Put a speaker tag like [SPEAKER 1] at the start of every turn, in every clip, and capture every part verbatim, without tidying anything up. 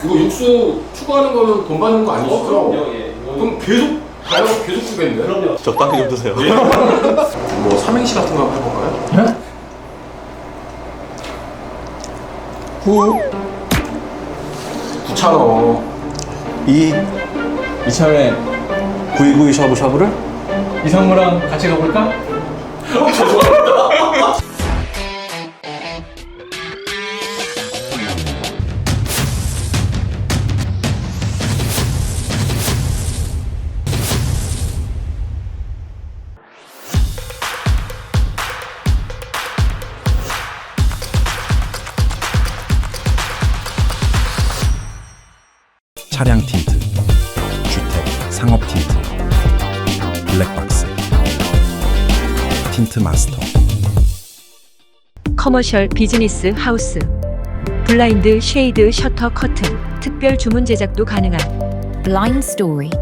[SPEAKER 1] 이거 육수 추가하는 거는 돈 받는 거 아니시죠?
[SPEAKER 2] 어, 그럼요. 예.
[SPEAKER 1] 그럼 계속 가려고 계속 주겠는데?
[SPEAKER 2] 그럼요.
[SPEAKER 3] 적당히 좀 드세요.
[SPEAKER 1] 뭐 삼행시 같은 거 한번 해볼까요?
[SPEAKER 3] 네? 후
[SPEAKER 1] 구차로
[SPEAKER 3] 이 이참에 구이구이 샤브샤브를
[SPEAKER 4] 이상무랑 같이 가볼까?
[SPEAKER 5] 차량 틴트, 주택, 상업 틴트, 블랙박스, 틴트 마스터.
[SPEAKER 6] 커머셜 비즈니스 하우스, 블라인드, 쉐이드, 셔터, 커튼, 특별 주문 제작도 가능한
[SPEAKER 7] Blind Story.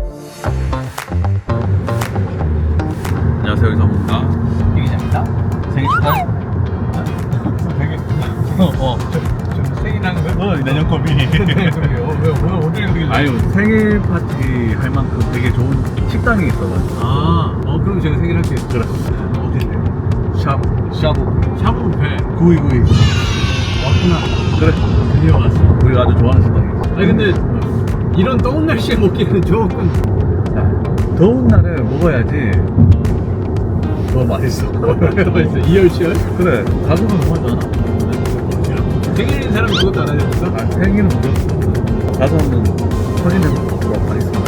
[SPEAKER 3] 안녕하세요, 이상무입니다.
[SPEAKER 4] 이 기자입니다.
[SPEAKER 3] 생일 축하해.
[SPEAKER 4] 생일 어, 어. 좀, 좀 생일하는 거야?
[SPEAKER 3] 너 내년 컴이.
[SPEAKER 4] 왜 오늘 오늘 여기
[SPEAKER 3] 아유, 생일 파티 할 만큼 되게 좋은 식당이 있어가지고.
[SPEAKER 4] 아, 어 그럼 제가 생일할게요.
[SPEAKER 3] 그래.
[SPEAKER 4] 어딘데?
[SPEAKER 3] 샵, 샤브,
[SPEAKER 4] 샤브 배
[SPEAKER 3] 구이구이.
[SPEAKER 4] 왔구나.
[SPEAKER 3] 그래.
[SPEAKER 4] 드디어 왔어.
[SPEAKER 3] 우리가 아주 좋아하는 식당이야.
[SPEAKER 4] 아니 근데 이런 더운 날씨에 먹기는 조금
[SPEAKER 3] 더운 날에 먹어야지 더 맛있어.
[SPEAKER 4] 더 맛있어. 이열치열.
[SPEAKER 3] 그래. 가격은 너무 하잖아.
[SPEAKER 4] 생일인 사람이 그것도 안 하셨어?
[SPEAKER 3] 아, 생일은 무조건. 가서 한번 터지는 거 먹도록 하겠습니다.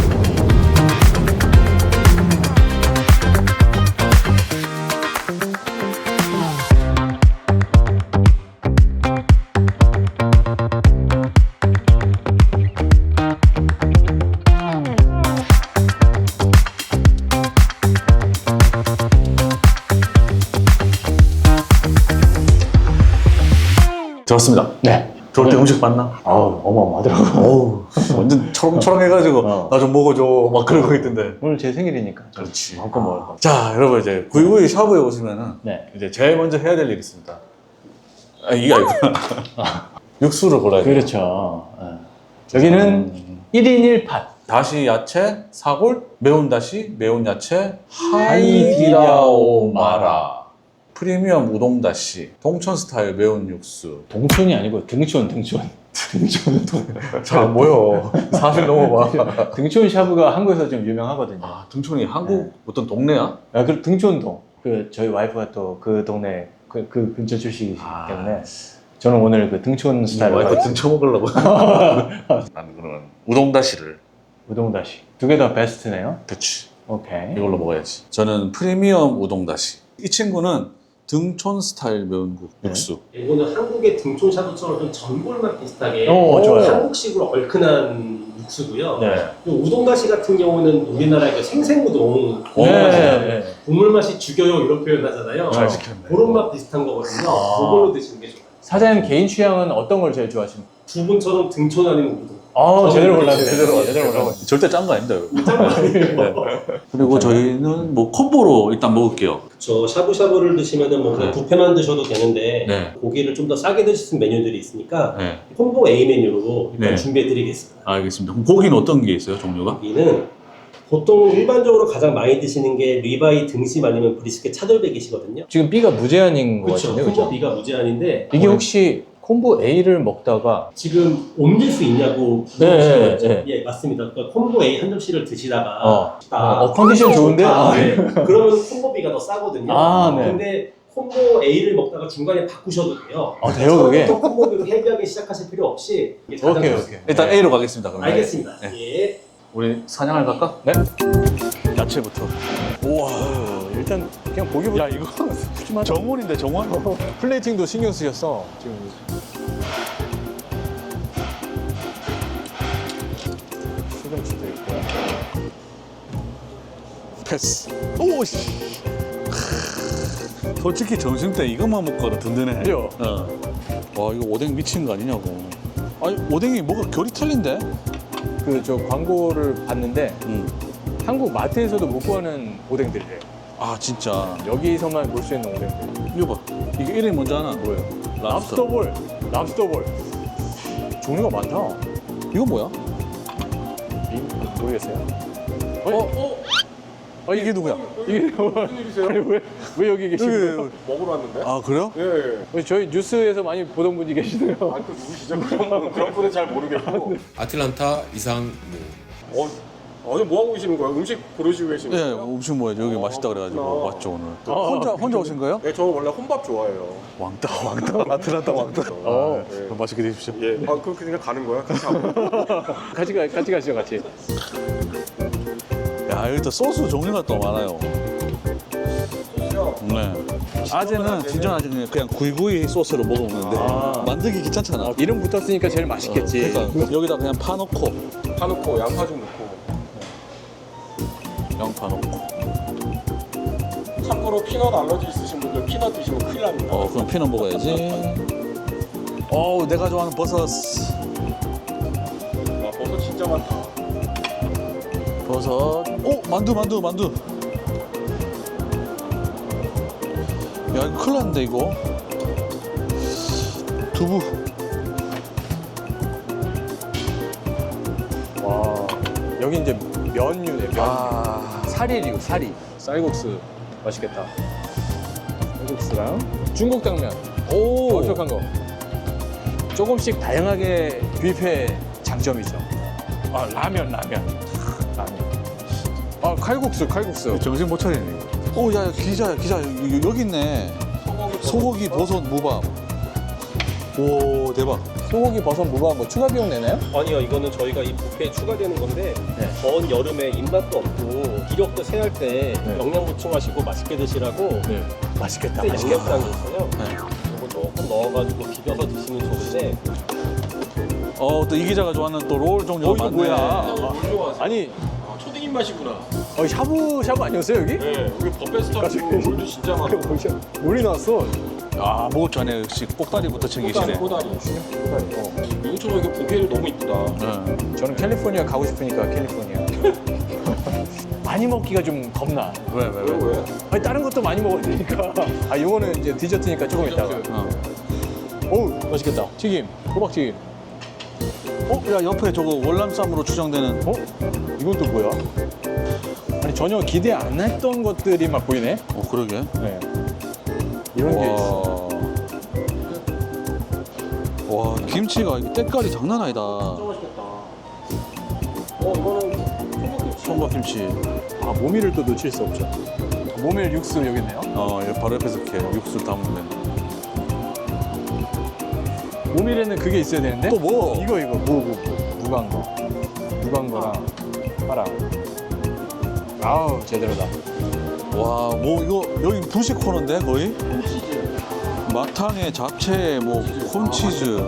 [SPEAKER 3] 좋습니다.
[SPEAKER 4] 네.
[SPEAKER 3] 좋을 때 음식 봤나?
[SPEAKER 4] 아우 어마어마하더라고.
[SPEAKER 3] 어우, 완전 초롱초롱해가지고
[SPEAKER 4] 어.
[SPEAKER 3] 나 좀 먹어줘 막 그러고 있던데.
[SPEAKER 4] 오늘 제 생일이니까.
[SPEAKER 3] 그렇지.
[SPEAKER 4] 마음껏 먹을 거.
[SPEAKER 3] 자, 여러분 이제 구이구이 샤브에 오시면은
[SPEAKER 4] 네.
[SPEAKER 3] 이제 제일 먼저 해야 될 일이 있습니다. 아, 이게 아니구나. 육수를 골라야 돼요.
[SPEAKER 4] 그렇죠. 예. 여기는 일 인 일 팟.
[SPEAKER 3] 다시 야채, 사골, 매운 다시, 매운 야채,
[SPEAKER 4] 하이디라오
[SPEAKER 3] 하이디라오마라, 프리미엄 우동 다시, 동천 스타일 매운 육수.
[SPEAKER 4] 동촌이 아니고 등촌, 등촌. 등촌, 동.
[SPEAKER 3] 잘 안 보여. 사실 넘어봐.
[SPEAKER 4] 등촌 샤브가 한국에서 좀 유명하거든요.
[SPEAKER 3] 아, 등촌이 한국 어떤 동네야?
[SPEAKER 4] 아, 그 등촌동. 그 저희 와이프가 또 그 동네 그, 그 근처 출신이기
[SPEAKER 3] 아.
[SPEAKER 4] 때문에 저는 오늘 그 등촌 스타일로
[SPEAKER 3] 와이프
[SPEAKER 4] 가겠습니다.
[SPEAKER 3] 등 쳐먹으려고. 나는 그러면 우동 다시를.
[SPEAKER 4] 우동 다시. 두 개 다 베스트네요.
[SPEAKER 3] 그치.
[SPEAKER 4] 오케이.
[SPEAKER 3] 이걸로 먹어야지. 저는 프리미엄 우동 다시. 이 친구는 등촌 스타일 매운국
[SPEAKER 4] 네.
[SPEAKER 3] 육수.
[SPEAKER 2] 이거는 한국의 등촌 샤브처럼 좀 전골맛 비슷하게
[SPEAKER 4] 오, 좋아요.
[SPEAKER 2] 한국식으로 얼큰한 육수고요.
[SPEAKER 4] 네.
[SPEAKER 2] 이 우동다시 같은 경우는 우리나라의 그 생생우동
[SPEAKER 3] 오,
[SPEAKER 4] 네.
[SPEAKER 2] 맛이잖아요.
[SPEAKER 4] 네.
[SPEAKER 2] 국물 맛이 죽여요 이런 표현하잖아요.
[SPEAKER 3] 잘 시켰네.
[SPEAKER 2] 그런 맛 비슷한 거거든요.
[SPEAKER 4] 아.
[SPEAKER 2] 그걸로 드시는 게 좋아요.
[SPEAKER 4] 사장님 개인 취향은 어떤 걸 제일 좋아하십니까?
[SPEAKER 2] 두 분처럼 등촌 아니면 우동.
[SPEAKER 4] 아, 제대로
[SPEAKER 2] 저는
[SPEAKER 4] 골랐네.
[SPEAKER 2] 제대로
[SPEAKER 4] 제대로 골랐네.
[SPEAKER 3] 절대 짠 거 아닙니다, 여러분.
[SPEAKER 2] 짠거 아니에요.
[SPEAKER 3] 그리고 저희는 뭐 콤보로 일단 먹을게요.
[SPEAKER 2] 저 샤브샤브를 드시면은 뭐 그냥
[SPEAKER 3] 네.
[SPEAKER 2] 뷔페만 드셔도 되는데
[SPEAKER 3] 네.
[SPEAKER 2] 고기를 좀 더 싸게 드실 수 있는 메뉴들이 있으니까
[SPEAKER 3] 네.
[SPEAKER 2] 콤보 A 메뉴로 일단
[SPEAKER 3] 네.
[SPEAKER 2] 준비해드리겠습니다.
[SPEAKER 3] 알겠습니다. 그럼 고기는 어떤 게 있어요, 종류가?
[SPEAKER 2] 여기는 보통 일반적으로 가장 많이 드시는 게 리바이 등심 아니면 브리스켓 차돌백이시거든요.
[SPEAKER 4] 지금 B가 무제한인 것
[SPEAKER 2] 그렇죠.
[SPEAKER 4] 같은데,
[SPEAKER 2] 콤보
[SPEAKER 4] 그렇죠?
[SPEAKER 2] B가 무제한인데
[SPEAKER 4] 이게 혹시 콤보 A를 먹다가
[SPEAKER 2] 지금 옮길 수 있냐고
[SPEAKER 4] 네,
[SPEAKER 2] 물어보시는 거죠?
[SPEAKER 4] 네,
[SPEAKER 2] 예, 맞습니다. 그러니까 콤보 A 한 접시를 드시다가
[SPEAKER 4] 어,
[SPEAKER 2] 딱
[SPEAKER 4] 어, 컨디션 좋은데?
[SPEAKER 2] 아,
[SPEAKER 4] 아,
[SPEAKER 2] 네. 그러면 콤보 B가 더 싸거든요.
[SPEAKER 4] 아, 네.
[SPEAKER 2] 근데 콤보 A를 먹다가 중간에 바꾸셔도 돼요.
[SPEAKER 4] 아, 돼요, 그게?
[SPEAKER 2] 처음부터 콤보 B로 헤비하게 시작하실 필요 없이 이게 가장
[SPEAKER 4] 오케이,
[SPEAKER 2] 좋습니다.
[SPEAKER 4] 오케이.
[SPEAKER 3] 일단 A로 가겠습니다, 그러면.
[SPEAKER 2] 알겠습니다.
[SPEAKER 3] 네.
[SPEAKER 2] 예.
[SPEAKER 3] 우리 사냥을 갈까?
[SPEAKER 4] 네?
[SPEAKER 3] 야채부터. 우와.
[SPEAKER 4] 어, 일단 그냥 보기보다
[SPEAKER 3] 야, 이거 정원인데, 정원?
[SPEAKER 4] 플레이팅도 신경 쓰셨어. 지금 시금치도 있고.
[SPEAKER 3] 패스. 오씨. 솔직히 점심 때 이것만 먹고도 든든해.
[SPEAKER 4] 그죠?
[SPEAKER 3] 어. 와, 이거 오뎅 미친 거 아니냐고. 아니, 오뎅이 뭐가 결이 틀린데?
[SPEAKER 4] 그 저 광고를 봤는데
[SPEAKER 3] 음.
[SPEAKER 4] 한국 마트에서도 못 구하는 오뎅들이래요.
[SPEAKER 3] 아, 진짜.
[SPEAKER 4] 여기서만 볼 수 있는 오뎅들.
[SPEAKER 3] 이거 봐. 이게 이름이 뭔지 아나?
[SPEAKER 4] 뭐예요?
[SPEAKER 3] 랍스터.
[SPEAKER 4] 랍스터볼. 랍스터볼. 종류가 많다.
[SPEAKER 3] 이거 뭐야?
[SPEAKER 4] 이- 모르겠어요.
[SPEAKER 1] 어? 어?
[SPEAKER 3] 아 이게 누구야?
[SPEAKER 4] 이게
[SPEAKER 1] 무슨 일이세요?
[SPEAKER 4] 아니 왜, 왜 여기 계시는 거예요?
[SPEAKER 1] 먹으러 왔는데?
[SPEAKER 3] 아 그래요?
[SPEAKER 1] 예.
[SPEAKER 4] 저희 뉴스에서 많이 보던 분이 계시네요.
[SPEAKER 1] 아, 또 누구시죠? 그런 분, 그런 분은 잘 모르겠고. 아틀란타 이상무. 어, 아니 뭐 하고 계시는 거예요? 음식 고르시고 계시는
[SPEAKER 3] 예,
[SPEAKER 1] 거예요?
[SPEAKER 3] 음식 뭐예요? 여기 맛있다 그래가지고
[SPEAKER 1] 그렇구나.
[SPEAKER 3] 왔죠 오늘. 혼자 혼자 오신 거예요?
[SPEAKER 1] 네, 저 원래 혼밥 좋아해요.
[SPEAKER 3] 왕따 왕따 아틀란타 왕따.
[SPEAKER 4] 어.
[SPEAKER 1] 네.
[SPEAKER 3] 맛있게 드십시오.
[SPEAKER 1] 예. 아, 그렇게 그냥 가는 거야? 같이 하고.
[SPEAKER 4] 같이 가, 같이 가시죠, 같이.
[SPEAKER 3] 야 여기 또 소스 종류가 또 많아요. 네. 아재는 진정 아재 그냥 그냥 구이구이 소스로 먹으면 돼.
[SPEAKER 4] 아.
[SPEAKER 3] 만들기 귀찮잖아.
[SPEAKER 4] 어, 이름 붙었으니까 제일 맛있겠지.
[SPEAKER 3] 그러니까 여기다 그냥 파 넣고
[SPEAKER 1] 파 넣고 양파 좀 넣고.
[SPEAKER 3] 양파 넣고.
[SPEAKER 1] 참고로 피넛 알러지 있으신 분들 피넛 드시면 큰일 납니다.
[SPEAKER 3] 어 그럼 피넛 먹어야지. 어우 내가 좋아하는 버섯.
[SPEAKER 1] 아, 버섯 진짜 많다.
[SPEAKER 3] 버섯. 오 만두 만두 만두. 야 이거 큰일 났는데 이거. 두부.
[SPEAKER 4] 와, 여기 이제 면류네, 면.
[SPEAKER 3] 아.
[SPEAKER 4] 사리류, 사리. 쌀국수. 맛있겠다. 쌀국수랑 중국 당면.
[SPEAKER 3] 오.
[SPEAKER 4] 엄청난 거. 조금씩 다양하게 뷔페 장점이죠. 아, 라면, 라면. 라면. 아, 칼국수, 칼국수.
[SPEAKER 3] 정신 못 차리네. 오, 야, 기자, 기자, 여기, 여기 있네. 소고기, 버섯, 무밥. 오, 대박.
[SPEAKER 4] 소고기, 버섯, 무밥 뭐 추가 비용 내나요?
[SPEAKER 2] 아니요, 이거는 저희가 이 뷔페에 추가되는 건데
[SPEAKER 4] 네.
[SPEAKER 2] 더운 여름에 입맛도 없고 기력도 세할 때
[SPEAKER 4] 네.
[SPEAKER 2] 영양 보충하시고 맛있게 드시라고
[SPEAKER 4] 네. 맛있겠다.
[SPEAKER 2] 그때 양념장 있어요.
[SPEAKER 3] 네.
[SPEAKER 2] 이거 조금 넣어가지고 비벼서 드시면 좋은데
[SPEAKER 3] 어, 또 이 기자가 좋아하는 또 롤 종류가
[SPEAKER 4] 어, 이거
[SPEAKER 3] 많네.
[SPEAKER 4] 뭐야?
[SPEAKER 1] 아, 좋아하세요?
[SPEAKER 4] 아니,
[SPEAKER 1] 아, 초딩 입맛이구나.
[SPEAKER 4] 어, 샤브샤브 아니었어요, 여기?
[SPEAKER 1] 네, 여기 버베스터치고 물도 진짜 많아.
[SPEAKER 4] 놀이 나왔어.
[SPEAKER 3] 아, 먹을 전에 역시 꼭다리부터 챙기시네.
[SPEAKER 1] 꼬다리, 꼬다리. 어. 여기처럼 이게 보기에는 너무 이쁘다.
[SPEAKER 3] 네.
[SPEAKER 4] 저는 캘리포니아 가고 싶으니까 캘리포니아. 많이 먹기가 좀 겁나.
[SPEAKER 3] 왜, 왜,
[SPEAKER 1] 왜,
[SPEAKER 3] 왜?
[SPEAKER 1] 왜?
[SPEAKER 4] 아니, 다른 것도 많이 먹어야 되니까. 아, 이거는 이제 디저트니까 조금 있다가.
[SPEAKER 3] 어.
[SPEAKER 4] 어우, 맛있겠다. 튀김, 호박튀김.
[SPEAKER 3] 어, 야, 옆에 저거 월남쌈으로 추정되는.
[SPEAKER 4] 어? 이건 또 뭐야? 아니, 전혀 기대 안 했던 것들이 막 보이네.
[SPEAKER 3] 어, 그러게.
[SPEAKER 4] 네. 이런 게 있어.
[SPEAKER 3] 와. 와, 김치가 이게 때깔이 장난 아니다.
[SPEAKER 2] 맛있겠다. 어, 이거는
[SPEAKER 3] 총각김치.
[SPEAKER 4] 아, 모미를 또 놓칠 수 없죠. 모밀 육수 여기 있네요.
[SPEAKER 3] 어, 여기 바로 옆에서 이렇게 육수를 담으면 돼.
[SPEAKER 4] 모밀에는 그게 있어야 되는데.
[SPEAKER 3] 또 뭐?
[SPEAKER 4] 이거 이거 무, 무, 무. 무광거. 무광거랑 파랑. 아우, 제대로다.
[SPEAKER 3] 와, 뭐 이거 여기 분식 코너인데 거의? 마탕에 잡채에 뭐 콘치즈,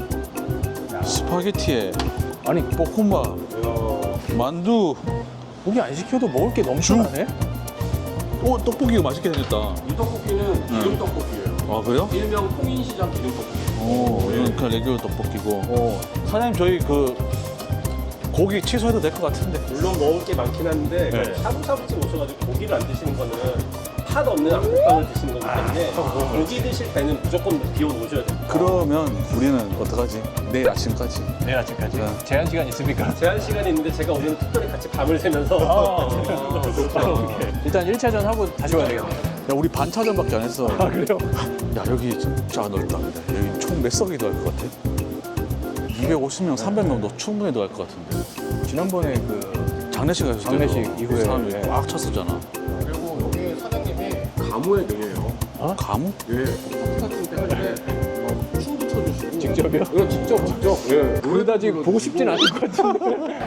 [SPEAKER 3] 스파게티에
[SPEAKER 4] 아니,
[SPEAKER 3] 볶음밥, 만두.
[SPEAKER 4] 고기 안 시켜도 먹을 게 넘쳐나네.
[SPEAKER 3] 오, 떡볶이가 맛있게 생겼다.
[SPEAKER 1] 이 떡볶이는 기름 떡볶이에요.
[SPEAKER 3] 아 그래요?
[SPEAKER 1] 일명 통인시장 기름 떡볶이.
[SPEAKER 3] 오, 이건 그냥 레귤러 떡볶이고.
[SPEAKER 4] 어.
[SPEAKER 3] 사장님 저희 그 고기 취소해도 될 것 같은데.
[SPEAKER 2] 물론 먹을 게 많긴 한데
[SPEAKER 3] 네.
[SPEAKER 2] 샤브샤브집 오셔가지고 고기를 안 드시는 거는 팥 없는 안국빵을 드시는 거기 때문에 고기 드실 때는 무조건 비워 놓으셔야 돼요.
[SPEAKER 3] 그러면 우리는 어떡하지? 내일 아침까지.
[SPEAKER 4] 내일 아침까지.
[SPEAKER 3] 네.
[SPEAKER 4] 제한 시간 있습니까?
[SPEAKER 2] 제한 시간이 있는데 제가 오늘 특별히 같이 밤을 새면서
[SPEAKER 4] 아, 일단 일 차전 하고 다시 와야 되겠네.
[SPEAKER 3] 야 우리 반차전밖에 안 했어.
[SPEAKER 4] 아, 그래요?
[SPEAKER 3] 야 여기 진짜 넓다. 근데 여기 총 몇 석이 들어갈 것 같아? 이백오십 명, 삼백 명도 충분히 들어갈 것 같은데.
[SPEAKER 4] 지난번에 그
[SPEAKER 3] 장례식 했을 때도
[SPEAKER 4] 장례식 이후에,
[SPEAKER 3] 사람이
[SPEAKER 4] 네.
[SPEAKER 3] 꽉 찼었잖아.
[SPEAKER 1] 그리고 여기 사장님이 가무의 명예예요.
[SPEAKER 3] 가무?
[SPEAKER 1] 예. 파티 같은 때 할 때 막 춤도 춰주시고.
[SPEAKER 4] 직접이요?
[SPEAKER 1] 예, 직접, 직접. 예.
[SPEAKER 4] 그러다 지금 보고 싶진 않을 것 같은데.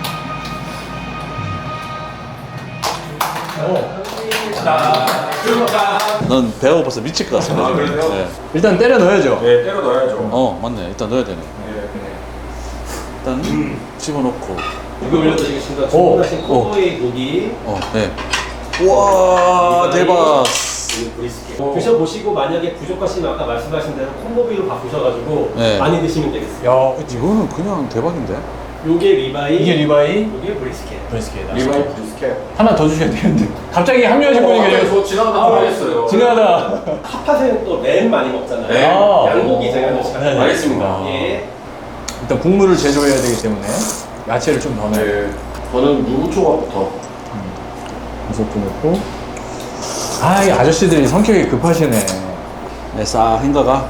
[SPEAKER 3] 넌 배가 고파서 미칠 것 같습니다.
[SPEAKER 1] 아,
[SPEAKER 3] 지금.
[SPEAKER 1] 그래요?
[SPEAKER 3] 네.
[SPEAKER 4] 일단 때려 넣어야죠.
[SPEAKER 1] 예, 때려 넣어야죠.
[SPEAKER 3] 어 맞네. 일단 넣어야 되네.
[SPEAKER 1] 예.
[SPEAKER 3] 일단 집어넣고.
[SPEAKER 2] 고기 올려드리겠습니다.
[SPEAKER 4] 오,
[SPEAKER 2] 주문하신 코보이 고기
[SPEAKER 3] 어, 네. 우와 대박.
[SPEAKER 2] 브리스켓 드셔보시고 만약에 부족하시면 아까 말씀하신 대로 콤보비로 바꾸셔가지고
[SPEAKER 3] 네.
[SPEAKER 2] 많이 드시면 되겠습니다.
[SPEAKER 4] 야,
[SPEAKER 3] 이거는 그냥 대박인데?
[SPEAKER 2] 요게 리바이,
[SPEAKER 4] 이게 리바이?
[SPEAKER 2] 요게 브리스켓.
[SPEAKER 4] 브리스켓.
[SPEAKER 1] 리바이 브리스켓.
[SPEAKER 4] 하나 더 주셔야 되는데. 갑자기 합류하신 분이
[SPEAKER 1] 어,
[SPEAKER 4] 계세요.
[SPEAKER 1] 저 지나가다 보냈어요.
[SPEAKER 4] 지나가다.
[SPEAKER 2] 핫팟에는 또 램 많이 먹잖아요.
[SPEAKER 1] 네.
[SPEAKER 4] 아.
[SPEAKER 2] 양고기 제가 넣으시면
[SPEAKER 4] 네, 네.
[SPEAKER 1] 알겠습니다.
[SPEAKER 2] 예.
[SPEAKER 4] 일단 국물을 제조해야 되기 때문에 야채를 좀 더 넣어요.
[SPEAKER 1] 네. 저는 무초밥부터.
[SPEAKER 4] 이것도 넣고. 아, 이 아저씨들이 성격이 급하시네.
[SPEAKER 3] 네, 싹 헹가가.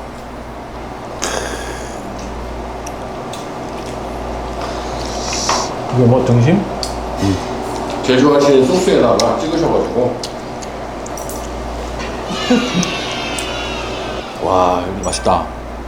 [SPEAKER 4] 이거 뭐 등심?
[SPEAKER 1] 제조하시는 소스에다가 찍으셔가지고.
[SPEAKER 3] 와, 여기 맛있다.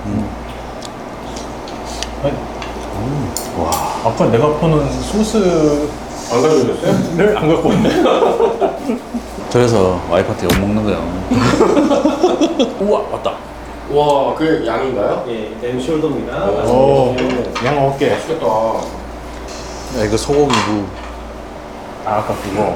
[SPEAKER 4] 아니, 와, 아까 내가 퍼는 소스를
[SPEAKER 1] 안 가져오셨어요?
[SPEAKER 4] 안 갖고 왔네.
[SPEAKER 3] 그래서 와이프한테 욕 먹는 거야. 우와, 맞다.
[SPEAKER 1] 와, 그게 양인가요?
[SPEAKER 2] 예, 램숄더입니다.
[SPEAKER 4] 오, 양 어깨.
[SPEAKER 1] 맛있겠다.
[SPEAKER 3] 야, 이거 소고기 무.
[SPEAKER 4] 아, 아까 그거.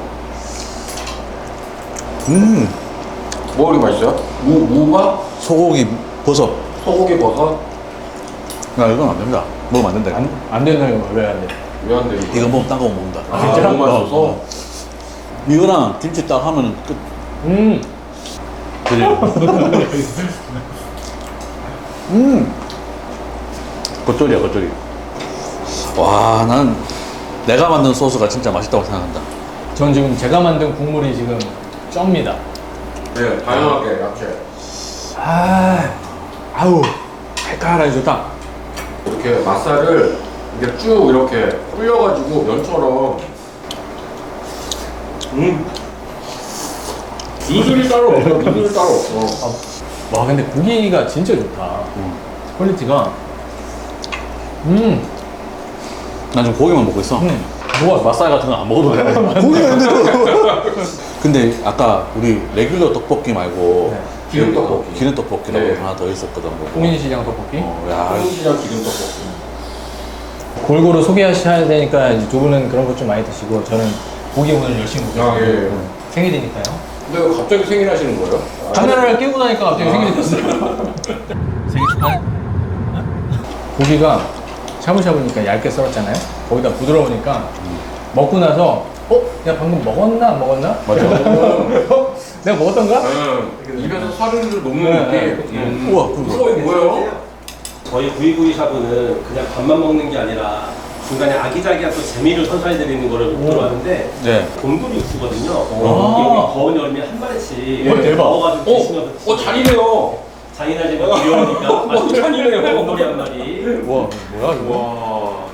[SPEAKER 3] 음,
[SPEAKER 1] 뭐가 그렇게 맛있어요? 무, 무가?
[SPEAKER 3] 소고기 버섯.
[SPEAKER 1] 소고기 버섯?
[SPEAKER 3] 야, 이건 안 된다. 먹으면 안 된다. 이거.
[SPEAKER 4] 안, 안 된다요. 왜 안 돼?
[SPEAKER 1] 왜 안 돼? 이거?
[SPEAKER 3] 이거 먹으면 딴 거 못 먹는다.
[SPEAKER 1] 아,
[SPEAKER 4] 진짜?
[SPEAKER 1] 너무 맛있어서?
[SPEAKER 3] 어, 이거랑 김치 딱 하면 끝.
[SPEAKER 4] 음,
[SPEAKER 3] 그지? 음. 겉절이야, 겉절이. 와, 난 내가 만든 소스가 진짜 맛있다고 생각한다.
[SPEAKER 4] 전 지금 제가 만든 국물이 지금 쩝니다.
[SPEAKER 1] 네, 다양하게 야채.
[SPEAKER 4] 아, 아우, 칼칼하니 좋다.
[SPEAKER 1] 이렇게 맛살을 이렇게 쭉 이렇게 불려가지고 면처럼. 음. 누들이 따로 없어. 누들이 따로 없어.
[SPEAKER 4] 와, 근데 고기가 진짜 좋다. 퀄리티가. 음,
[SPEAKER 3] 난 지금 고기만 먹고 있어.
[SPEAKER 4] 음. 뭐가
[SPEAKER 3] 맛살 같은 건 안 먹어도 돼. 고기가 있는데도. 근데 아까 우리 레귤러 떡볶이 말고
[SPEAKER 4] 네.
[SPEAKER 1] 기름 떡볶이.
[SPEAKER 3] 기름 떡볶이라고
[SPEAKER 1] 네.
[SPEAKER 3] 하나 더 있었거든. 그거.
[SPEAKER 4] 홍인시장 떡볶이.
[SPEAKER 3] 어, 야,
[SPEAKER 1] 한국시장 기름 떡볶이.
[SPEAKER 4] 골고루 소개하셔야 되니까 이제 두 분은 그런 것 좀 많이 드시고 저는 고기 오늘 열심히 먹겠습니다.
[SPEAKER 1] 아, 예.
[SPEAKER 4] 생일이니까요.
[SPEAKER 1] 근데 왜 갑자기 생일 하시는 거예요?
[SPEAKER 4] 카메라를 끼고 나니까 갑자기 생일이 됐어요. 생일 축하해. 고기가 샤브샤브니까 얇게 썰었잖아요. 거기다 부드러우니까 먹고 나서 어? 내가 방금 먹었나 안 먹었나?
[SPEAKER 3] 맞아.
[SPEAKER 4] 어? 내가 먹었던가?
[SPEAKER 1] 네. 입에서 사르르 녹는
[SPEAKER 4] 네,
[SPEAKER 1] 느낌.
[SPEAKER 4] 네.
[SPEAKER 1] 음.
[SPEAKER 3] 우와,
[SPEAKER 1] 어, 이거 뭐예요?
[SPEAKER 2] 저희 구이구이 샤브는 그냥 밥만 먹는 게 아니라 중간에 아기자기한 또 재미를 선사해드리는 거를 목표로 하는데
[SPEAKER 3] 네.
[SPEAKER 2] 곰돌이 육수거든요.
[SPEAKER 4] 아.
[SPEAKER 2] 여기 더운 여름에 한 마리씩
[SPEAKER 4] 어, 대박.
[SPEAKER 2] 먹어가지고
[SPEAKER 1] 어,
[SPEAKER 2] 드시면서
[SPEAKER 1] 어, 잔이네요.
[SPEAKER 2] 잔인하지만 귀여우니까
[SPEAKER 1] 어, 잔이네요.
[SPEAKER 2] 곰돌이 한 마리
[SPEAKER 4] 와, 뭐야 이거?
[SPEAKER 1] 와.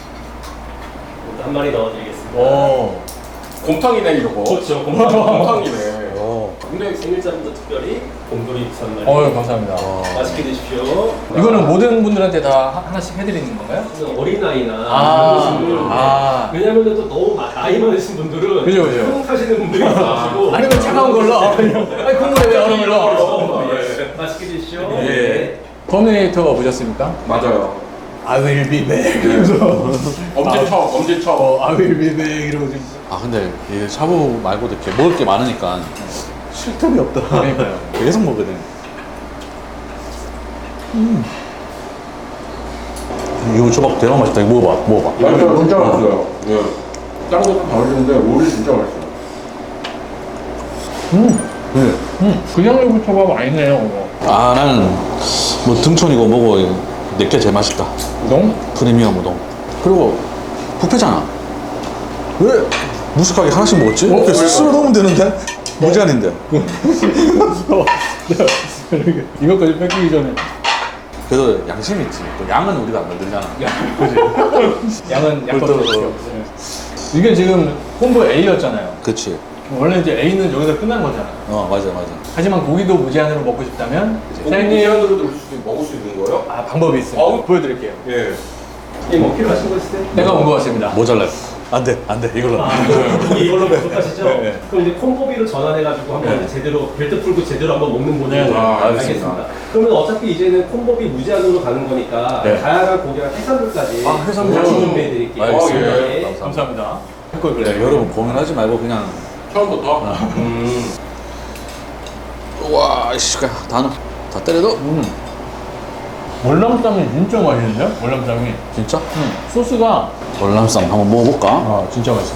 [SPEAKER 2] 한 마리 넣어드리겠습니다.
[SPEAKER 4] 오.
[SPEAKER 1] 곰탕이네, 이거.
[SPEAKER 2] 그렇죠.
[SPEAKER 1] 곰탕이네.
[SPEAKER 2] 근데 생일자분도 특별히 곰돌이 육수 한 마리
[SPEAKER 4] 어유 감사합니다.
[SPEAKER 2] 맛있게 드십시오.
[SPEAKER 4] 이거는 모든 분들한테 다 하- 하나씩 해드리는 건가요?
[SPEAKER 2] 어린아이나
[SPEAKER 4] 아,
[SPEAKER 2] 이런 분들
[SPEAKER 4] 아.
[SPEAKER 2] 왜냐면 또 너무 마- 나이 많으신 분들은
[SPEAKER 4] 그죠, 그죠.
[SPEAKER 2] 형 타시는 분들이 있어가지고
[SPEAKER 4] 아니면 차가운 걸로. 아니 국물에 왜 얼음을 넣어?
[SPEAKER 2] 어, 예. 맛있게 드십시오.
[SPEAKER 1] 예.
[SPEAKER 4] 터미네이터 보셨습니까?
[SPEAKER 1] 맞아요.
[SPEAKER 4] I will be back. 이러면서
[SPEAKER 1] 엄지척, 엄지척.
[SPEAKER 4] 어, I will be back 이러고 지금.
[SPEAKER 3] 아, 근데 이 샤브 말고도 이렇게 먹을 게 많으니까 쉴 틈이 없다.
[SPEAKER 4] 그러니까요.
[SPEAKER 3] 계속 먹거든. 음. 이거 초밥 대박 맛있다. 이거 먹어봐, 먹어봐.
[SPEAKER 1] 맞아요, 진짜 맛있어요. 예. 다른 것도 다 맛있는데, 롤이 진짜 맛있어요.
[SPEAKER 4] 음,
[SPEAKER 3] 네.
[SPEAKER 4] 음. 그냥 유부초밥 아니네요. 이거.
[SPEAKER 3] 아, 나는 뭐 등촌이고 뭐고 내게 제일 맛있다.
[SPEAKER 4] 우동?
[SPEAKER 3] 프리미엄 우동. 그리고 뷔페잖아. 왜 무식하게 하나씩 먹었지? 이렇게 쓸어 넣으면 되는데? 무제한인데.
[SPEAKER 4] 이렇게 이것까지 뺏기기 전에.
[SPEAKER 3] 그래도 양심이 있지. 또 양은 우리가 안 만들잖아.
[SPEAKER 4] 그지? 양은 양껏
[SPEAKER 3] 그것도-
[SPEAKER 4] 드십시오. 이게 지금 콤보 A였잖아요.
[SPEAKER 3] 그치.
[SPEAKER 4] 원래 이제 A는 여기서 끝난 거잖아요.
[SPEAKER 3] 어, 맞아, 맞아.
[SPEAKER 4] 하지만 고기도 무제한으로 먹고 싶다면
[SPEAKER 1] 사장님.
[SPEAKER 4] 사장님
[SPEAKER 1] 무제한으로 넣을 수, 먹을 수 있는 거예요?
[SPEAKER 4] 아 방법이 있어요.
[SPEAKER 1] 어우.
[SPEAKER 4] 보여드릴게요.
[SPEAKER 1] 예.
[SPEAKER 2] 예, 뭐 필요하신 거 있으세요?
[SPEAKER 4] 내가 온 것 같습니다.
[SPEAKER 3] 모자라요. 안 돼, 안 돼. 이걸로.
[SPEAKER 2] 아, 이게 이걸로 부족하시죠?
[SPEAKER 4] 네.
[SPEAKER 2] 그럼 이제 콤보비로 전환해가지고 한번
[SPEAKER 4] 네.
[SPEAKER 2] 제대로 벨트 풀고 제대로 한번 먹는 모델
[SPEAKER 4] 네, 네.
[SPEAKER 1] 아,
[SPEAKER 2] 알겠습니다.
[SPEAKER 1] 알겠습니다.
[SPEAKER 2] 그러면 어차피 이제는 콤보비 무제한으로 가는 거니까
[SPEAKER 4] 네.
[SPEAKER 2] 다양한 고기랑 해산물까지
[SPEAKER 3] 아, 해산물.
[SPEAKER 2] 같이 준비해드릴게요.
[SPEAKER 3] 알겠습니다.
[SPEAKER 2] 예.
[SPEAKER 3] 감사합니다.
[SPEAKER 4] 감사합니다.
[SPEAKER 3] 네, 여러분 고민하지 말고 그냥.
[SPEAKER 1] 처음부터?
[SPEAKER 2] 음.
[SPEAKER 3] 우와, 이씨, 다, 넣- 다 때려도?
[SPEAKER 4] 음. 월남쌈이 진짜 맛있는데요? 월남쌈이.
[SPEAKER 3] 진짜?
[SPEAKER 4] 음. 소스가
[SPEAKER 3] 월남쌈 한번 먹어볼까?
[SPEAKER 4] 아 진짜 맛있어.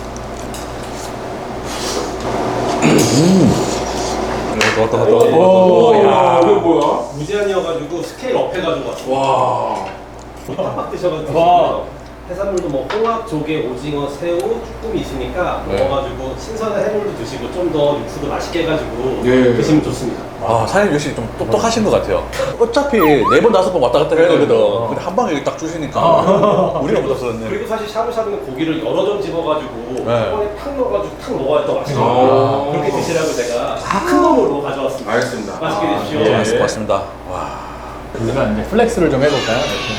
[SPEAKER 3] 왔다, 왔다,
[SPEAKER 2] 오,
[SPEAKER 4] 오,
[SPEAKER 1] 야,
[SPEAKER 4] 야.
[SPEAKER 1] 이게 뭐야?
[SPEAKER 2] 무제한이어가지고 스케일 업 해가지고 왔어.
[SPEAKER 1] 와.
[SPEAKER 2] 팍팍 드셔가지고
[SPEAKER 4] 와.
[SPEAKER 2] 해산물도 뭐 홍합, 조개, 오징어, 새우, 쭈꾸미 있으니까
[SPEAKER 1] 네.
[SPEAKER 2] 먹어가지고 신선한 해물도 드시고 좀 더 육수도 맛있게 해가지고
[SPEAKER 1] 예.
[SPEAKER 2] 드시면 좋습니다.
[SPEAKER 3] 아, 사장님 역시 좀 똑똑하신 것 같아요. 어차피 네 번, 다섯 번 왔다 갔다 해야 되거든. 근데 한 방에 딱 주시니까 우리가 못 썼네.
[SPEAKER 2] 그리고 사실 샤브샤브는 고기를 여러 점 집어가지고
[SPEAKER 3] 네.
[SPEAKER 2] 한 번에 탁 넣어가지고 탁 먹어야 더 맛있어요.
[SPEAKER 1] 아.
[SPEAKER 2] 그렇게 드시라고 제가 큰 놈으로 가져왔습니다.
[SPEAKER 1] 알겠습니다.
[SPEAKER 2] 맛있게
[SPEAKER 1] 아,
[SPEAKER 2] 드십시오.
[SPEAKER 1] 예.
[SPEAKER 3] 네, 맛있을 것 같습니다. 와.
[SPEAKER 4] 우리가 이제 플렉스를 좀 해볼까요?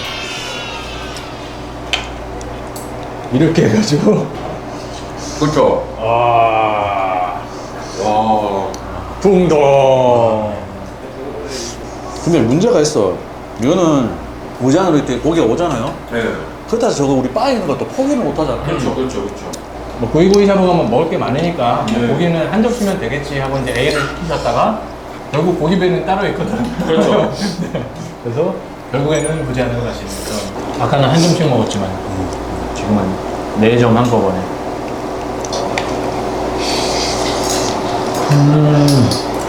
[SPEAKER 4] 이렇게, 이렇게 해가지고.
[SPEAKER 1] 그렇죠.
[SPEAKER 4] 아.
[SPEAKER 1] 와.
[SPEAKER 4] 붕동.
[SPEAKER 3] 근데 문제가 있어. 이거는 무제한으로 이렇게 고기가 오잖아요.
[SPEAKER 1] 네.
[SPEAKER 3] 그렇다 해서 저거 우리 바에 있는 것도 포기를 못 하잖아.
[SPEAKER 1] 그렇죠, 그렇죠, 그렇죠.
[SPEAKER 4] 뭐 고기구이 샤브 가면 먹을 게 많으니까 뭐
[SPEAKER 1] 네.
[SPEAKER 4] 고기는 한 접시면 되겠지 하고 이제 A를 시키셨다가 결국 고기배는 따로 있거든.
[SPEAKER 1] 그렇죠.
[SPEAKER 4] 네. 그래서 결국에는 무제한으로 가시는 거죠. 아까는 한 점씩 먹었지만 지금은 네 점 한꺼번에. 음.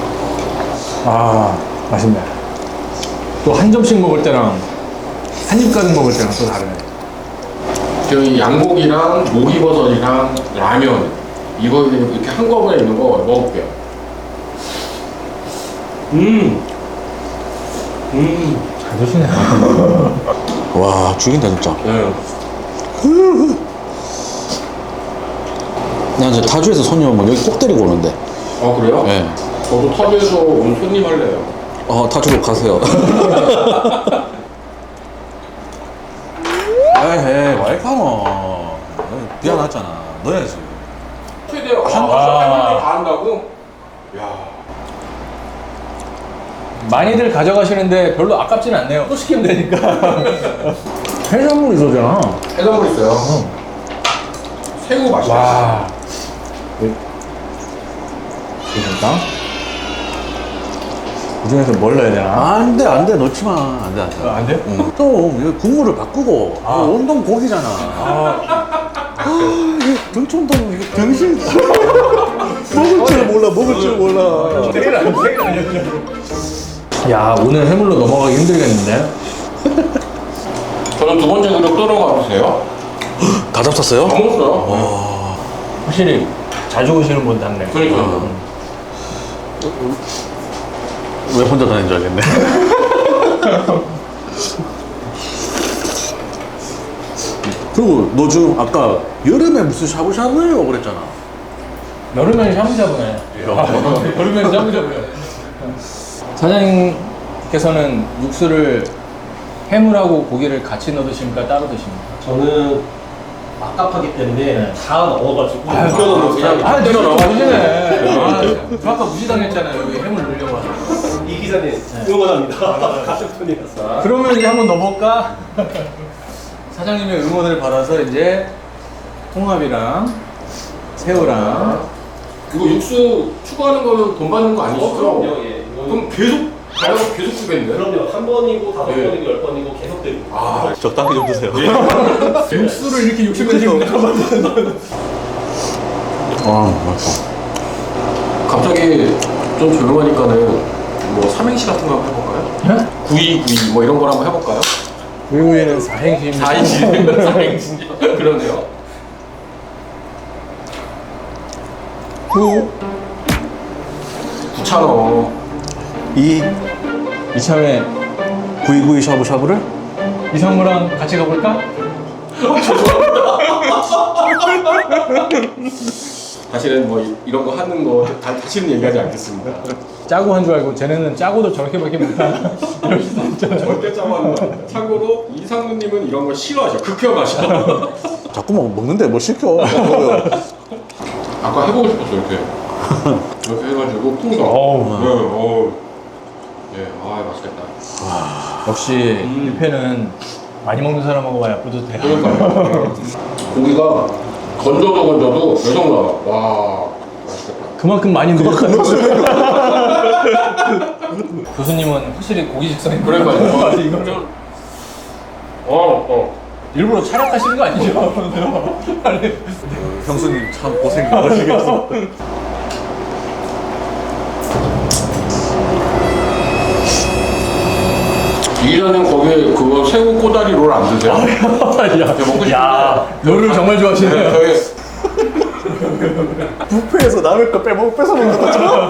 [SPEAKER 4] 아, 맛있네. 또 한 점씩 먹을 때랑 한 입 가득 먹을 때랑 또 다르네.
[SPEAKER 1] 저희 양고기랑 목이버섯이랑 라면 이거 이렇게 한꺼번에 있는 거 먹어볼게요. 음. 음.
[SPEAKER 4] 잘 드시네.
[SPEAKER 3] 와, 죽인다, 진짜.
[SPEAKER 1] 네.
[SPEAKER 3] 나 이제 타주에서 손님 오면 여기 꼭 데리고 오는데.
[SPEAKER 1] 아 그래요?
[SPEAKER 3] 네.
[SPEAKER 1] 저도 터비에서 온 손님 할래요.
[SPEAKER 3] 어, 타주로 가세요. 에이, 와이파노. 미안하잖아. 넣어야지.
[SPEAKER 1] 최대 한
[SPEAKER 4] 아.
[SPEAKER 1] 번에 다 한다고? 야.
[SPEAKER 4] 많이들 가져가시는데 별로 아깝진 않네요. 또 시키면 되니까. 해산물이 쏘잖아.
[SPEAKER 1] 해산물 있어요. 새우 맛있어.
[SPEAKER 4] 와. 괜찮다. 그 중에서 뭘 넣어야 되나?
[SPEAKER 3] 안 돼, 안 돼. 넣지 마. 안 돼, 안 돼.
[SPEAKER 4] 어, 안 돼?
[SPEAKER 3] 응. 좀, 이거 국물을 바꾸고.
[SPEAKER 4] 아.
[SPEAKER 3] 이거 온동 고기잖아. 아, 이거 등촌동, 이거 병신. 먹을 줄 몰라, 먹을 줄 몰라.
[SPEAKER 4] 세일 안 세일 아니었죠? 야, 오늘 해물로 넘어가기 힘들겠는데?
[SPEAKER 1] 저는 두 번째 그릇 끓은 거 같으세요?
[SPEAKER 3] 다 잡쌌어요?
[SPEAKER 1] 다 먹었어요.
[SPEAKER 4] 확실히 자주 오시는 분 같네.
[SPEAKER 1] 그러니까.
[SPEAKER 3] 왜 혼자 다니는 줄 알겠네. 그리고 너 지금 아까 여름에 무슨 샤브샤브예요 그랬잖아.
[SPEAKER 4] 여름엔 샤브샤브네. 여름엔 샤브샤브네. 사장님께서는 육수를 해물하고 고기를 같이 넣어 드십니까? 따로 드십니까?
[SPEAKER 2] 저는 막갑하기 때문에
[SPEAKER 4] 네.
[SPEAKER 2] 다 넣어가지고
[SPEAKER 1] 아유,
[SPEAKER 2] 우겨넣는
[SPEAKER 1] 그냥
[SPEAKER 2] 스타일이에요.
[SPEAKER 4] 아,
[SPEAKER 1] 그대로
[SPEAKER 4] 진짜
[SPEAKER 1] 넣어가지고.
[SPEAKER 4] 맛있네. 아, 저 아까 무시당했잖아요. 여기 해물 넣으려고 하서.
[SPEAKER 2] 이 기자님 응원합니다. 같은 편이라서.
[SPEAKER 4] 그러면 이제 한번 넣어볼까? 사장님의 응원을 받아서 이제 홍합이랑 새우랑
[SPEAKER 1] 이거 육수 추가하는 거는 돈 받는 거 아니시죠?
[SPEAKER 2] 어, 그럼요. 예. 이거는
[SPEAKER 1] 그럼 계속 달라고 계속 주겠네.
[SPEAKER 2] 그럼요. 한 번이고 다섯
[SPEAKER 1] 예.
[SPEAKER 2] 번이고 열 번이고 계속 드리고.
[SPEAKER 1] 아,
[SPEAKER 3] 적당히 좀 드세요.
[SPEAKER 4] 육수를 이렇게 육십 년
[SPEAKER 3] 아, 맛있어.
[SPEAKER 1] 갑자기 좀 조용하니까는 뭐 삼행시 같은 거 한번 해볼까요?
[SPEAKER 4] 네?
[SPEAKER 1] 구이 구이 뭐 이런 걸 한번 해볼까요?
[SPEAKER 4] 외국인은 사행시입니다.
[SPEAKER 1] 사행시 사행시 그러네요.
[SPEAKER 4] 구
[SPEAKER 1] 구찬어.
[SPEAKER 3] 이
[SPEAKER 4] 이참에
[SPEAKER 3] 구이구이 샤브샤브를
[SPEAKER 4] 이성우랑 같이 가볼까?
[SPEAKER 1] 다시는 뭐 이- 이런 거 하는 거 다, 다시는 얘기하지 않겠습니다.
[SPEAKER 4] 짜고 한 줄 알고 쟤네는 짜고도 저렇게밖에 못하나 이럴 수도 있잖아요.
[SPEAKER 1] 절대 짜고 참고로 이상우님은 이런 거 싫어하셔. 극혐하셔.
[SPEAKER 3] 자꾸 뭐 먹는데 뭘 시켜.
[SPEAKER 1] 아까 해보고 싶었어 이렇게. 이렇게 해가지고 풍선.
[SPEAKER 4] 어우.
[SPEAKER 1] 네, 어우. 예, 아 맛있겠다.
[SPEAKER 4] 역시
[SPEAKER 1] 음.
[SPEAKER 4] 뷔페는 많이 먹는 사람하고 와야 뿌듯해요.
[SPEAKER 1] 그러니까요. 고기가 건져도 건져도 계속 나와. 와, 맛있겠다.
[SPEAKER 4] 그만큼 많이 늘었다는 교수님은 확실히 고기 식성이
[SPEAKER 1] 그러니까요.
[SPEAKER 4] 아니, 이거
[SPEAKER 1] 어, 어.
[SPEAKER 4] 일부러 촬영하시는 거 아니죠? 아니,
[SPEAKER 3] 형수님 참 고생 많으시겠어.
[SPEAKER 1] 이기자님 거기에 그거 새우 꼬다리 롤 안 드세요?
[SPEAKER 4] 야,
[SPEAKER 1] 먹고 싶은데.
[SPEAKER 4] 야, 롤을 정말 좋아하시네요.
[SPEAKER 1] 저희
[SPEAKER 3] 뷔페에서 남의 거 빼먹 뺏어 먹는 것처럼.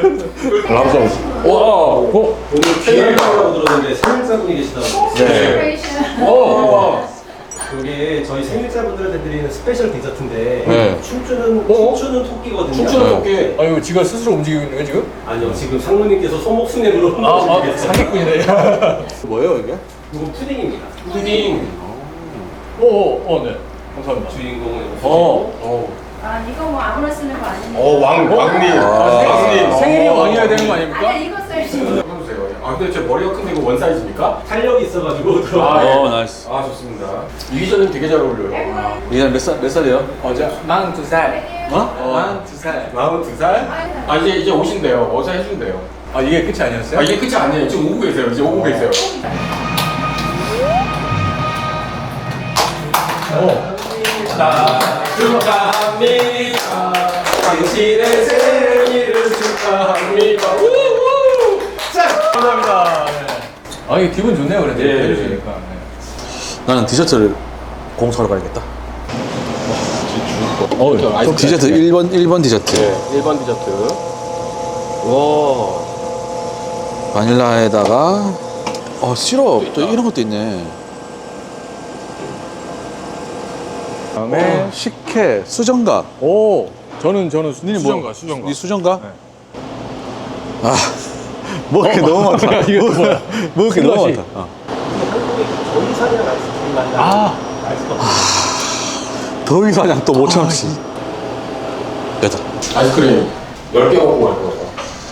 [SPEAKER 1] 와, 어,
[SPEAKER 2] 오늘 생일이라고 들었는데 생일자분이 계시다고.
[SPEAKER 1] 네.
[SPEAKER 4] 어,
[SPEAKER 2] 이게 저희 생일자분들한테 드리는 스페셜 디저트인데
[SPEAKER 1] 네.
[SPEAKER 2] 춤추는
[SPEAKER 1] 어?
[SPEAKER 2] 춤추는 토끼거든요.
[SPEAKER 1] 춤추는 토끼.
[SPEAKER 4] 아, 이거 지가 스스로 움직이고 있는 거야, 지금?
[SPEAKER 2] 아니요, 지금 상무님께서 소목순회로
[SPEAKER 4] 아, 아,
[SPEAKER 2] 움직이겠어요.
[SPEAKER 4] 사기꾼이네.
[SPEAKER 3] 뭐예요 이게?
[SPEAKER 2] 이건 푸딩입니다.
[SPEAKER 1] 푸딩.
[SPEAKER 4] 오, 오, 어, 네. 감사합니다.
[SPEAKER 2] 주인공은
[SPEAKER 4] 어,
[SPEAKER 1] 어,
[SPEAKER 7] 아 이거 뭐 아무나 쓰는 거 아니니까.
[SPEAKER 1] 어, 왕, 왕님. 왕님.
[SPEAKER 4] 생일이
[SPEAKER 1] 어.
[SPEAKER 4] 왕이어야 되는 거 아닙니까?
[SPEAKER 7] 아니 이거 써야지.
[SPEAKER 1] 해보세요. 아, 근데 제 머리가 큰데 이거 원 사이즈입니까?
[SPEAKER 2] 탄력이 있어가지고 들어.
[SPEAKER 1] 아, 예.
[SPEAKER 3] 어 나이스.
[SPEAKER 1] 아, 좋습니다. 이기자님 되게 잘 어울려요.
[SPEAKER 3] 이게 몇 살 몇 살이에요?
[SPEAKER 4] 어제 마흔두 살.
[SPEAKER 3] 어?
[SPEAKER 4] 마흔두 살.
[SPEAKER 1] 마흔두 살? 아, 이제, 이제 오신대요. 어제 해준대요.
[SPEAKER 4] 아, 이게 끝이 아니었어요?
[SPEAKER 1] 아, 이게 끝이 아니에요. 지금 오고 계세요. 이제 오고 계세요.
[SPEAKER 4] 어.
[SPEAKER 1] 축하합니다. 당신의 생일을 축하합니다. 우후! 자, 감사합니다.
[SPEAKER 4] 아, 이게 기분 좋네요, 그래도.
[SPEAKER 1] 예.
[SPEAKER 4] 해주시니까. 네.
[SPEAKER 3] 나는 디저트를 공사하러 가야겠다.
[SPEAKER 1] 어, 아이스
[SPEAKER 3] 디저트 일 번 일 번 디저트.
[SPEAKER 1] 네, 일 번 디저트.
[SPEAKER 3] 와. 바닐라에다가 어 시럽 또 이런 것도 있네. 그다음에 어, 식혜, 수정가.
[SPEAKER 4] 오, 저는, 저는 수,
[SPEAKER 3] 니는
[SPEAKER 4] 수정가,
[SPEAKER 3] 뭐,
[SPEAKER 4] 수정가.
[SPEAKER 3] 니 수정가?
[SPEAKER 4] 네.
[SPEAKER 3] 아, 먹을 게 너무 많다.
[SPEAKER 4] 이거 뭐야?
[SPEAKER 3] 먹을 게 너무
[SPEAKER 4] 슬러시.
[SPEAKER 3] 많다. 어.
[SPEAKER 2] 한국의 전사냥 아이스크림 맛이 나는
[SPEAKER 4] 아,
[SPEAKER 2] 아이스크림.
[SPEAKER 3] 더위 사냥 또 오천 원씩. 됐다.
[SPEAKER 1] 아이스크림 열 개 먹고 갈 거예요.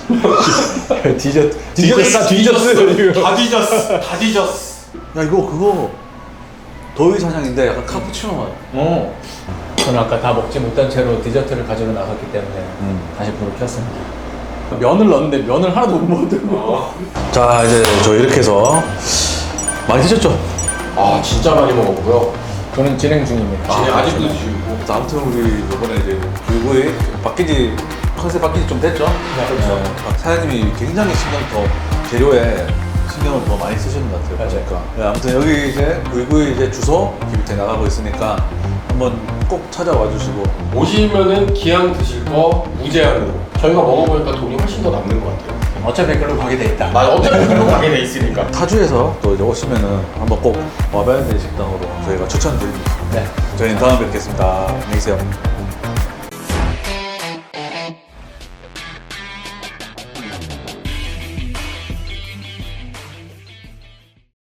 [SPEAKER 4] 디저트. 디저트 다 뒤졌어요, 지금.
[SPEAKER 1] 다 뒤졌어. 다 뒤졌어.
[SPEAKER 3] 야 이거 그거 더위 사냥인데 약간 카푸치노 맛.
[SPEAKER 4] 어. 저는 아까 다 먹지 못한 채로 디저트를 가지러 나갔기 때문에
[SPEAKER 3] 음.
[SPEAKER 4] 다시 불을 켰습니다. 면을 넣었는데 면을 하나도 못 먹더라고.
[SPEAKER 3] 자 이제 저 이렇게 해서 많이 드셨죠?
[SPEAKER 1] 아, 진짜 많이 먹었고요.
[SPEAKER 4] 저는 진행 중입니다.
[SPEAKER 1] 진짜 아직도 드시고.
[SPEAKER 3] 자, 아무튼 우리 이번에 이제 불구이 바뀐 지 컨셉 바뀐 지 좀 됐죠? 그렇죠. 사장님이 굉장히 신경 더 재료에 신경을 더 많이 쓰시는 것 같아요.
[SPEAKER 4] 맞아요.
[SPEAKER 3] 그러니까. 네, 아무튼 여기 이제 불구이 이제 주소 기부태 나가고 있으니까 한번 꼭 찾아와 주시고.
[SPEAKER 1] 오시면은 기왕 드실 거 무제한으로. 저희가 먹어보니까 돈이 훨씬 더 남는 것 같아요.
[SPEAKER 4] 어차피 글로 가게 돼 있다.
[SPEAKER 1] 아, 어차피 그로 가게 돼 있으니까.
[SPEAKER 3] 타주에서 또 이제 오시면은 한번 꼭 와봐야 될 식당으로 저희가 추천드립니다.
[SPEAKER 4] 네.
[SPEAKER 3] 저희는 다음에 뵙겠습니다. 안녕히 계세요.